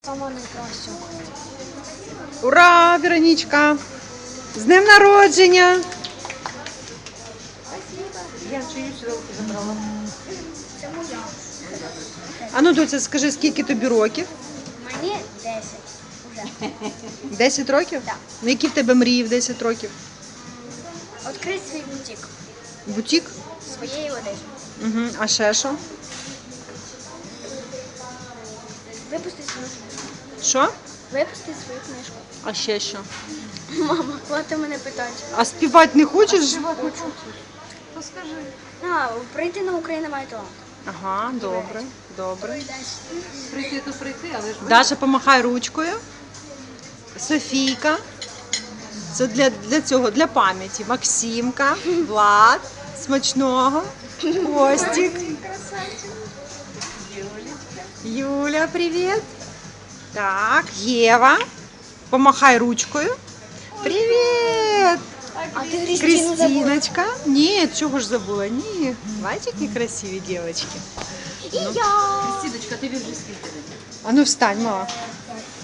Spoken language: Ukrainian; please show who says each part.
Speaker 1: Сама найкраща.
Speaker 2: Ура, Вероничка! З днем народження! Я чию сюди забрала.
Speaker 1: Це моя.
Speaker 2: А ну, доця, скажи, скільки тобі років?
Speaker 1: Мені 10 уже.
Speaker 2: 10 років?
Speaker 1: Так.
Speaker 2: Ну, які в тебе мрії в 10 років?
Speaker 1: Відкрити свій бутик
Speaker 2: Бутік?
Speaker 1: своєї одежі.
Speaker 2: Угу. А ще що?
Speaker 1: Випустити свою книжку.
Speaker 2: Що?
Speaker 1: Випустити свою книжку.
Speaker 2: А ще що?
Speaker 1: Мама, хватить мене питати.
Speaker 2: А співати не хочеш?
Speaker 1: Прийти на Україну має талант.
Speaker 2: Ага, добре, добре.
Speaker 3: Прийти, то прийти, але ж
Speaker 2: Даша, помахай ручкою. Софійка. Це для цього, для пам'яті. Максимка, Влад, смачного, Костік. Юля, привіт. Так, Єва. Помахай ручкою. Привіт.
Speaker 1: А ти Христину забула.
Speaker 2: Кристиночка. Ні, чого ж забула? Ні. Бачите, які красиві дівчатки.
Speaker 1: І я.
Speaker 3: Сідочка, тобі вже скільки?
Speaker 2: А ну встань, мама.